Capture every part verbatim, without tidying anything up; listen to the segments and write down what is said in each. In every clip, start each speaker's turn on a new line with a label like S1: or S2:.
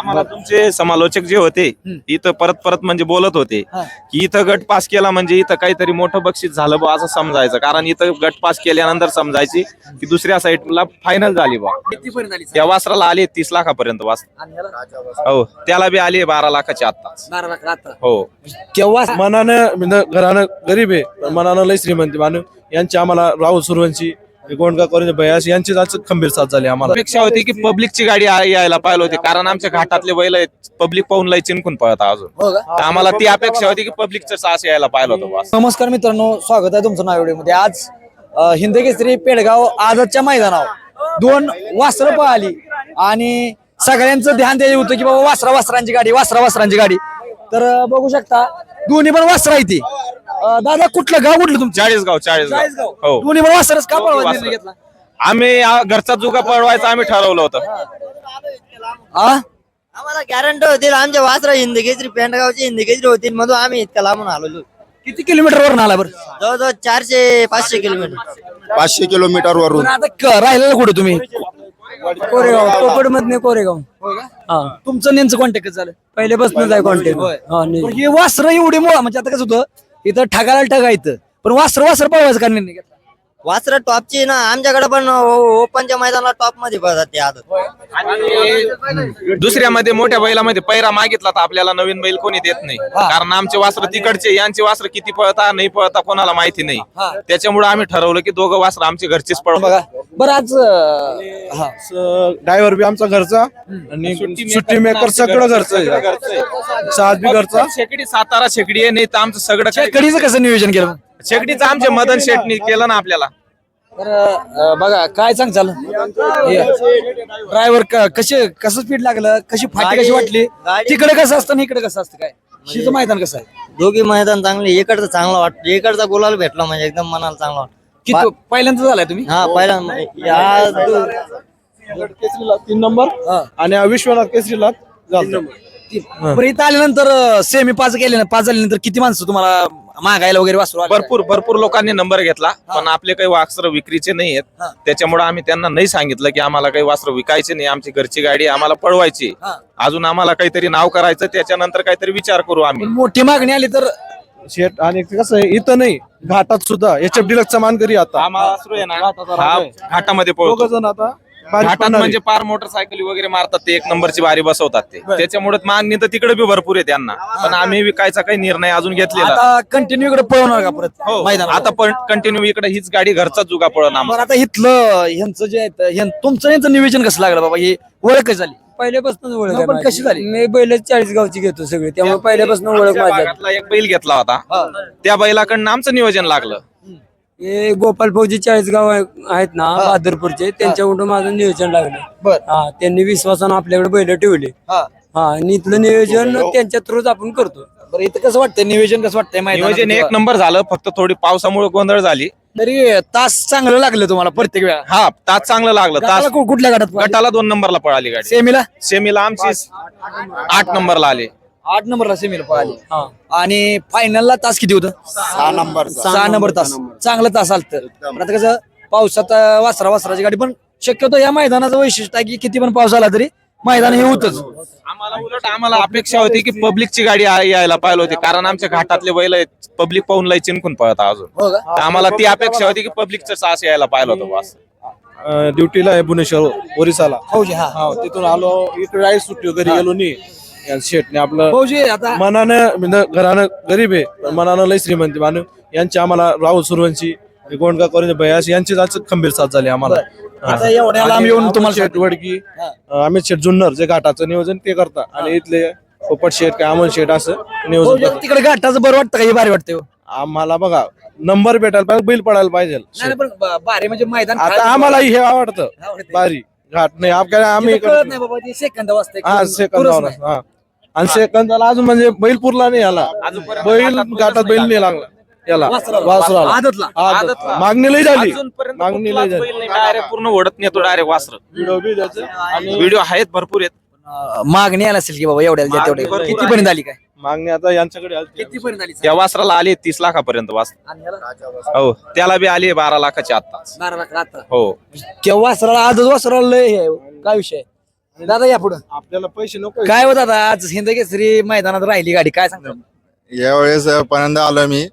S1: आम्हाला तुमचे समालोचक जे होते इथं परत परत म्हणजे बोलत होते की इथं गट पास केला म्हणजे इथं काहीतरी मोठं बक्षीस झालं बा असं समजायचं, कारण इथं गट पास केल्यानंतर समजायची की दुसऱ्या साईडला फायनल झाली बा. त्या वासराला आले तीस लाखापर्यंत वासर, हो त्याला बी आली बारा लाखाची आत्ताच.
S2: बारा लाख आता
S1: हो
S2: केव्हा
S3: मनानं म्हणजे घरानं गरीब आहे पण मनानं लय श्रीमंत मानू यांची आम्हाला राहुल सुरवंशी गोंडका करून भयास यांची आज खंबीर साथ झाली आम्हाला.
S1: अपेक्षा होती की पब्लिकची गाडी आ- यायला पाहिजे होती, कारण आमच्या घाटातले बैल पब्लिक पाहून लय चिंकून पळत अजून.
S2: हो का?
S1: तर आम्हाला ती अपेक्षा होती की पब्लिकचं सास यायला पाहिलं होतं बस.
S2: नमस्कार मित्रांनो, स्वागत आहे तुमचं नाव मध्ये. आज अ, हिंदकेसरी पेडगाव आजच्या मैदानावर दोन वासरं पळाली आणि सगळ्यांचं ध्यान द्यायचं होतं की बाबा वासरा वासरांची गाडी वासरा वासरांची गाडी. तर अ, बघू शकता दोन्ही पण वासरा आहे ती. अ, दादा कुठलं गाव कुठलं तुमचं?
S1: चाळीसगाव चाळीसगाव
S2: चाळीसगाव.
S1: हो.
S2: दोन्ही पण वासरच का पळवायचा
S1: वासरं.
S2: निर्णय घेतला?
S1: आम्ही आ- घरचा जुगा पळवायचा आम्ही ठरवलं होतं.
S2: आ?
S4: आम्हाला गॅरंटी होतील आमच्या वासरा हिंदकेसरी पेंडगावची हिंदकेसरी होतील म्हणून आम्ही इतक्या लांबून आलेलो.
S2: किती किलोमीटर वरून आला बरं?
S4: जवळजवळ चारशे पाचशे किलोमीटर.
S5: पाचशे किलोमीटर वरून.
S2: पण आता क- राहिलेलं कुठे तुम्ही? कोरेगाव कोकड मधने कोरेगाव. हा. तुमचं नेमचं कॉन्टॅक्ट झालं
S6: पहिल्यापासूनच आहे कॉन्टॅक्ट.
S2: हे वासर एवढे मोठा म्हणजे आता कसं होतं इथं ठगायला ठगायचं पण वासर वासर पळवायचं का निर्णय घेतला?
S4: वासरा टॉपची ना आमच्याकडे पण ओ- ओपनच्या मैदानाला टॉप मध्ये पळतात ते आदत.
S1: आणि दुसऱ्या मध्ये मोठ्या बैलामध्ये पैरा मागितला तर आपल्याला नवीन बैल कोणी देत नाही, कारण आमचे वासर तिकडचे यांचे वासर किती पळता नाही पळता कोणाला माहिती नाही. त्याच्यामुळे आम्ही ठरवलं की दोघं वासर आमचे घरचेच पळ.
S2: बघा बरं आज अं, हा
S3: ड्रायव्हर बी आमचा घरचा आणि सुट्टी मेकर सगळं घरचं आहे. साथ बी घरचा.
S1: शेकडी सातारा शेकडी आहे, नाही तर आमचं सगळं काही-
S2: कडीचं कसं नियोजन केलं?
S1: शेकडीचं आमचे मदन शेटनी केलं ना आपल्याला.
S2: तर अं, बघा काय सांग चाल ड्रायव्हर कसे कसं स्पीड लागलं, कशी फाटी कशी वाटली,
S4: गाडी-
S2: तिकडे कसं असतं आणि इकडे कसं असतं काय शिचं मैदान कसं आहे?
S4: दोघी मैदान चांगले. इकडचं चांगलं वाटतं, इकडचा गुलाल भेटला म्हणजे एकदम मनाला चांगला वाटतं.
S2: की तो पहिल्यांदा झालाय तुम्ही?
S4: हा पहिला या दो-
S3: केसरीला तीन नंबर आणि विश्वनाथ केसरीला झालं.
S2: बरं इथं आल्यानंतर सेमी पाच गेले पाच झाल्यानंतर किती माणसं तुम्हाला मागायला वगैरे वासरू आले?
S1: भरपूर भरपूर लोकांनी नंबर घेतला, पण आपले काही वासर विक्रीचे नाही आहेत. त्याच्यामुळे आम्ही त्यांना नाही सांगितलं की आम्हाला काही वासर विकायचे नाही, आमची घरची गाडी आहे, आम्हाला पळवायची. अजून आम्हाला काहीतरी नाव करायचं, त्याच्यानंतर काहीतरी विचार करू आम्ही.
S2: मोठी मागणी आली तर
S3: शेट आणि ते कसं आहे इथं नाही घाटात सुद्धा एच एफ डिलक्सचा मान करी आता
S1: आम्हाला वासरू आहे ना, हा घाटामध्ये
S3: दोघ
S1: पळतो.
S3: जण आता बारीक
S1: घाटात
S3: पडणारे.
S1: म्हणजे पार मोटरसायकल वगैरे मारतात ते, एक नंबरची बारी बसवतात ते. त्याच्यामुळे मागणी तर तिकडे बी भरपूर आहे त्यांना, पण आम्ही विकायचा काही निर्णय अजून घेतलेला.
S2: आता कंटिन्यू इकडे पळवणार का परत
S1: हो,
S2: मैदान?
S1: आता पण कंटिन्यू इकडे हीच गाडी घरचा जुगा पळण आम्हाला.
S2: बरं आता इथलं ह्यांचं जे आहे ह्यां- तुमचं यांचं नियोजन कसं लागलं बाबा? ही ओळख कशी झाली?
S6: पहिल्यापासून ओळख
S2: मग
S6: आहे
S2: पण
S6: माझी.
S2: कशी झाली?
S6: मी बैल चाळीस गावची घेतो सगळे, त्यामुळे पहिल्यापासून ओळख
S1: आमच्या
S6: माझ्या.
S1: भागातला एक बैल घेतला होता, त्या बैलाकडनं आमचं नियोजन लागलं.
S6: हे गोपाल फौजी चाळीस गाव आहेत ना बहादरपूरचे, त्यांच्याकडून माझं नियोजन लागलं.
S2: बर.
S6: हा त्यांनी विश्वासानं आपल्याकडे बैल ठेवले.
S2: हा.
S6: हा आणि इथलं नियोजन त्यांच्या थ्रूच आपण करतो.
S2: बरं इथं कसं वाटतंय नियोजन कसं वाटतंय मैदानाचं
S1: नियोजन एक
S2: तेव्हा?
S1: नंबर झालं, फक्त थोडी पावसामुळे गोंधळ झाली.
S2: तरी तास चांगलं लागलं तुम्हाला प्रत्येक वेळा?
S1: हा तास चांगलं लागलं. तास
S2: गटाला कु- कुठल्या गटात
S1: गटाला दोन नंबरला पळाली गाडी.
S2: सेमीला
S1: सेमीला आमची आठ नंबरला आले.
S2: आठ नंबरला सेमीला पळाली
S6: हा
S2: आणि फायनलला तास किती होतं?
S5: सहा नंबर
S2: सहा नंबर तास. चांगलं तास आलत. आता कसं पावसात अं, वासरा वासराची गाडी पण शक्यतो या मैदानाचं वैशिष्ट्य आहे की किती पण पाऊस आला तरी मैदान हे होतच.
S1: आम्हाला उलट आम्हाला अपेक्षा होती की पब्लिकची गाडी आ- यायला पाहिजे होती, कारण आमच्या घाटातले बैल पब्लिक पाहून लय चिंकून पळत अजून.
S2: हो का?
S1: तर आम्हाला ती अपेक्षा होती की पब्लिकचं सास यायला पाहिलं होतं बस.
S3: अं, ड्युटीला आहे भुवनेश्वर ओरिसाला.
S2: फौजी हा
S3: हा तिथून आलो इकडे आहे सुट्टी घरी गेलो नाही. या शेटने आपलं
S2: फौजी आता
S3: मनानं म्हणजे घरानं गरीब आहे पण मनानं लय श्रीमंत मानू यांची आम्हाला राहुल सुरवंशी गोंडका करून भयास यांची आज खंबीर साथ झाली आम्हाला.
S2: आता एवढ्या लांब येऊन तुम्हाला
S3: शेट वडकी अमित शेट जुन्नर जे घाटाचं नियोजन ते करता आणि इथले पोपट शेट काय अमोल शेट असं नियोजन
S2: फौजी,
S3: करतात.
S2: तिकडे घाटाचं बरं वाटतं का हे भारी वाटतं?
S3: आम्हाला बघा नंबर भेटायला पाहिजे बैल पडायला पाहिजे.
S2: नाही पण ब- भारी म्हणजे मैदान
S3: आता आम्हाला हे आवडतं बारी घाट नाही आपल्याला आम्ही
S2: तिथं कळत नाही बाबा ते सेकंद वाजता
S3: हा सेकंदावर हा आणि सेकंदाला अजून म्हणजे बैल पुरला नाही याला बैल घाटात बैल नाही लागला याला वासराला
S2: आदतला
S3: आदत. मागणी लई झाली
S1: अजूनपर्यंत
S3: मागणी लई
S1: कुठलाच
S3: झाली.
S1: बैल नाही, डायरेक्ट पूर्ण ओढत नेतो डायरेक्ट वासर.
S3: व्हिडिओ बी त्याचे आणि
S1: व्हिडिओ आहेत भरपूर आहेत.
S2: अं, मागणी आला असेल की बाबा एवढ्याला द्या तेवढे.
S1: मागणी
S2: किती पर्यंत आली काय?
S3: मागणी आता यांच्याकडे आली.
S2: किती पर्यंत आली?
S1: त्या वासराला आली तीस लाखापर्यंत वासर,
S2: आणि याला?
S1: हो त्याला बी आली बारा लाखाची आत्ताच.
S2: बारा लाख आता.
S1: हो
S2: केव्हा वासराला आजच वासराला लय हे आहे. काय विषय आहे? दादा या पुढं
S3: आपल्याला पैसे नको
S2: काय होत दादा आज हिंद केसरी मैदानात राहिली गाडी काय सांगता
S5: यावेळेस पहिल्यांदा आलो मी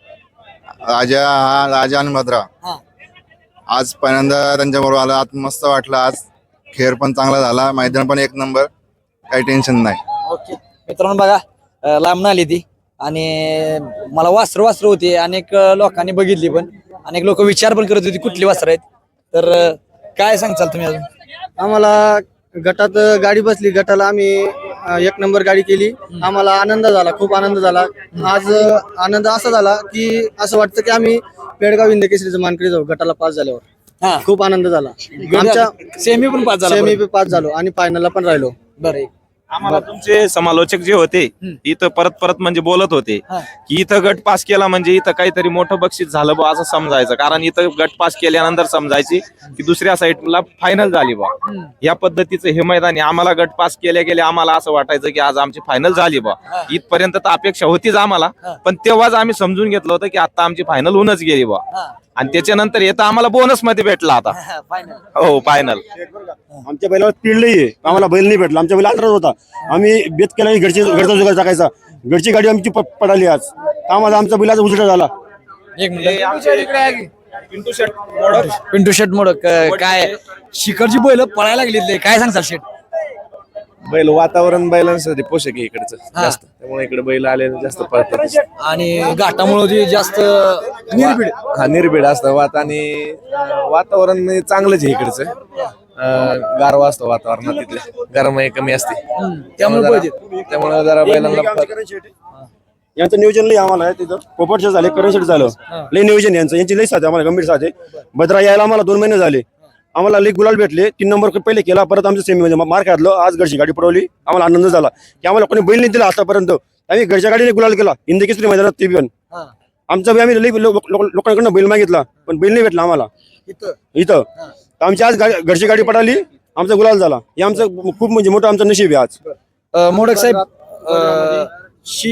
S5: राजा हा राजा आणि भद्रा
S2: हा.
S5: आज पहिल्यांदा त्यांच्याबरोबर आला आज मस्त वाटलं. आज खेळ पण चांगला झाला, मैदान पण एक नंबर, काही टेन्शन नाही.
S2: ओके मित्रांनो बघा अं, लांबून आली ती आणि मला वासर वासर होती अनेक अं, लोकांनी बघितली पण अनेक लोक विचार पण करत होती कुठली वासर आहेत तर अं, काय सांगचाल तुम्ही अजून
S7: आम्हाला गटात गाडी बसली, गटाला आम्ही अ, एक नंबर गाडी केली. आम्हाला आनंद झाला, खूप आनंद झाला. आज अ, आनंद असा झाला की असं वाटतं की आम्ही पेडगाव हिंद केसरीचं मानकरी जाऊ गटाला पास झाल्यावर.
S2: हा
S7: खूप आनंद झाला. आमच्या
S2: सेमी पण पाच झाला
S7: सेमी पास झालो आणि फायनलला पण राहिलो.
S2: बरं
S1: आम्हाला तुमचे समालोचक जे होते इथं परत परत म्हणजे बोलत होते
S2: हा.
S1: की इथं गट पास केला म्हणजे इथं काहीतरी मोठं बक्षीस झालं बा असं समजायचं. कारण इथं गट पास केल्यानंतर समजायची की दुसऱ्या साईडला फायनल झाली बा. या पद्धतीचं हे मैदान आहे. आम्हाला गट पास केल्या गेल्या आम्हाला असं वाटायचं की आज आमची फायनल झाली बा. इथपर्यंत तर अपेक्षा होतीच आम्हाला, पण तेव्हाच आम्ही समजून घेतलं होतं की आता आमची फायनल होऊनच गेली बा. आणि त्याच्यानंतर येतं आम्हाला बोनस मध्ये भेटला आता. हो फायनल.
S8: आमच्या बैलावर स्पीड लई आहे, आम्हाला बैल नाही भेटला. आमच्या बैल अंतरात होता, आम्ही बेत केला की घरची घरचा जुगार टाकायचा. घरची गाडी आमची प- पडाली आज, आम्हाला आमचा बैलाचा उलटा झाला.
S2: एक मिनिट पिंटू शेट मोडक अं, काय शिखरची बैल पळायला लागली काय सांगताल शेट
S3: बैल वातावरण बैलांसाठी पोषक आहे इकडचं जास्त, त्यामुळे इकडे बैल आले जास्त पळतात
S2: आणि घाटामुळे ती जास्त निर्भीड
S3: हा निर्भीड असतं वात आणि अं, वातावरण म्हणजे चांगलंच आहे इकडचं. अं, गारवा असतो वातावरणात, तिथले गरमाई कमी असते
S2: त्यामुळे
S3: त्यामुळे जरा- त्यामुळे जरा बैलांना
S8: यांचं नियोजन लई आम्हाला आहे तिथं. पोपटचं झाले, करंट झालं, लई नियोजन यांचं, यांची लई साथ आहे आम्हाला, गंभीर साथ आहे. भद्रा यायला आम्हाला दोन महिने झाले, आम्हाला लई गुलाल भेटले. तीन नंबर पहिले केला, परत आमचं सेमी म्हणजे मार्क घातलं. आज घरची गाडी पडवली, आम्हाला आनंद झाला की आम्हाला कोणी बैल नाही दिला आतापर्यंत. आम्ही घरच्या गाडीने गुलाल केला हिंद केसरी मैदानात. ते पण आमचा बी आम्ही लई लोक- लोक- लोकांकडनं बैल मागितला, पण बैल नाही भेटला आम्हाला इथं. आमची आज गा- घरची गाडी पडाली, आमचा गुलाल झाला. हे आमचं खूप म्हणजे मोठं आमचं नशीब आहे आज.
S2: अं, मोडक साहेब अं, शी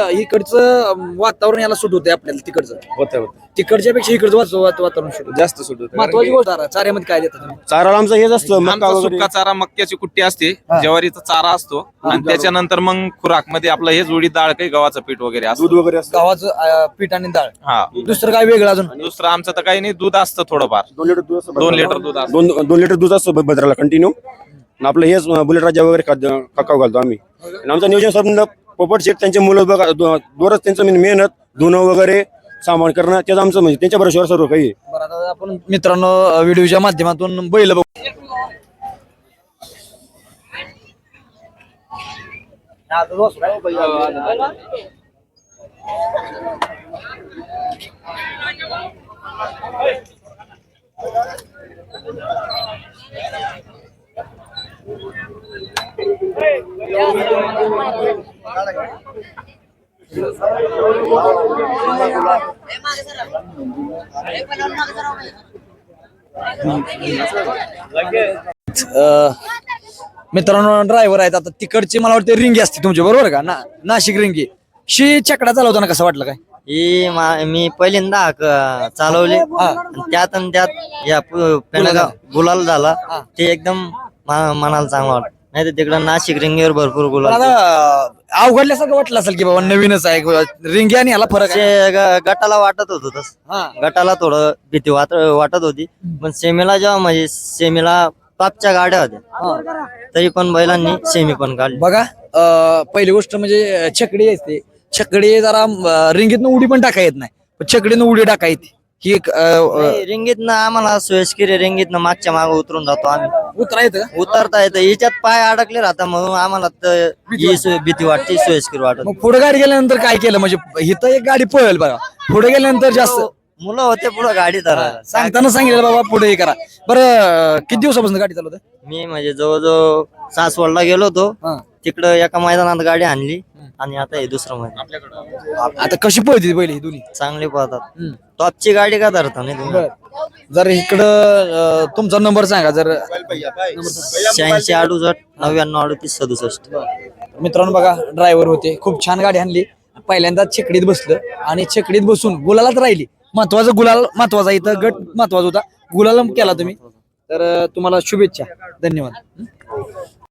S2: इकडचं वातावरण याला सूट होते आपल्याला तिकडचं
S3: होतं होतं
S2: तिकडच्या पेक्षा इकडचं वाच- वात- वातावरण सूट होतं.
S3: जास्त सुट होतं.
S2: महत्वाची गोष्ट आहे, चाऱ्यामध्ये काय देतात तुम्ही
S8: चाराला आमचं हेच असतं, मक्का
S1: आमचा
S8: वगैरे.
S1: सुका चारा मक्याची कुट्टी असते, ज्वारीचा चारा असतो आणि त्याच्यानंतर मग खुराक मध्ये आपलं हे जोडी डाळ काही गव्हाचं पीठ वगैरे असतं.
S8: दूध वगैरे असतं.
S2: गव्हाचं अं, पीठ आणि डाळ
S1: हा
S2: दुसरं काय वेगळं अजून
S1: दुसरं आमचं तर काही नाही, दूध असतं थोडंफार.
S8: दोन लिटर दूध असतं.
S1: दोन लिटर दूध असतं.
S8: दोन दोन लिटर दूध असतं भ- भद्राला कंटिन्यू. आपलं हेच बुलेट राजा वगैरे खाद्य काकाव घालतो आम्ही. आणि आमचं नियोजन समजा पोपट शेट त्यांचे मुलं बघा, दो- दोरच त्यांचं म्हणजे मेहनत, धुणं वगैरे सामान करणं, त्याचं आमचं म्हणजे त्यांच्या भरोश्यावर सर्व काही आहे.
S2: बरं आता आपण मित्रांनो अं, व्हिडिओच्या माध्यमातून बैल बघू अं, मित्रांनो ड्रायव्हर आहेत आता तिकडची मला वाटतं रिंगी असते तुमची बरोबर का ना नाशिक रिंगी शी चकडा चालवताना कसं वाटलं काय
S4: ही मा- मी पहिल्यांदा क- चालवली आणि त्यात आणि त्यात या पु- पेंडगाव गुलाल झाला ते एकदम मा- मनाला चांगलं वाटत. नाही तर तिकडं नाशिक रिंगीवर भरपूर
S2: पण
S4: गुलाल.
S2: आता अवघडल्यासारखं वाटलं असेल की बाबा नवीनच आहे रिंगी आणि ह्याला फरक आहे
S4: ते ग- गटाला वाटत होत तस
S2: हा.
S4: गटाला थोडं भीती वाट वाटत होती, पण सेमीला जेव्हा म्हणजे सेमीला टॉपच्या गाड्या होत्या तरी पण बैलांनी सेमी पण काढली.
S2: बघा अं, पहिली गोष्ट म्हणजे छकडी असते छकडी जरा अं, रिंगीतनं उडी पण टाका येत नाही पण छकडीनं उडी टाका येते ही एक अं, अं,
S4: रिंगीतनं आम्हाला सोयस्किरी रिंगीतनं मागच्या मागे उतरून जातो आम्ही.
S2: उतरा येतं का?
S4: उतरता येतं, हिच्यात पाय अडकले राहता म्हणून आम्हाला तर ही सोय- भीती वाटते, सोयस्कर वाटत.
S2: मग पुढे गाडी गेल्यानंतर काय केलं म्हणजे इथं एक गाडी पळेल बघा पुढे गेल्यानंतर जास्त
S4: मुलं होते पुढे गाडी धरायला.
S2: सांगताना सांगितलं बाबा पुढे हे करा बरं किती दिवसापासून गाडी चालवत
S4: मी म्हणजे जवळजवळ सासवडला गेलो होतो, तिकडं एका मैदानात गाडी आणली आणि आता हे दुसरं मैदान.
S2: आता कशी पळते पहिली ही दोन्ही
S4: चांगली पळतात. टॉपची गाडी का धरता नाही तुम्ही?
S2: जर इकडं अं, तुमचा नंबर सांगा जर
S4: शहाऐंशी अडुसष्ट नव्याण्णव अडतीस सदुसष्ट.
S2: मित्रांनो बघा ड्रायव्हर होते खूप छान गाडी आणली पहिल्यांदा छकडीत बसलं आणि छकडीत बसून गुलालात राहिली महत्वाचं गुलाल महत्वाचा इथं गट महत्वाचा होता गुलाल केला तुम्ही तर अं, तुम्हाला शुभेच्छा धन्यवाद.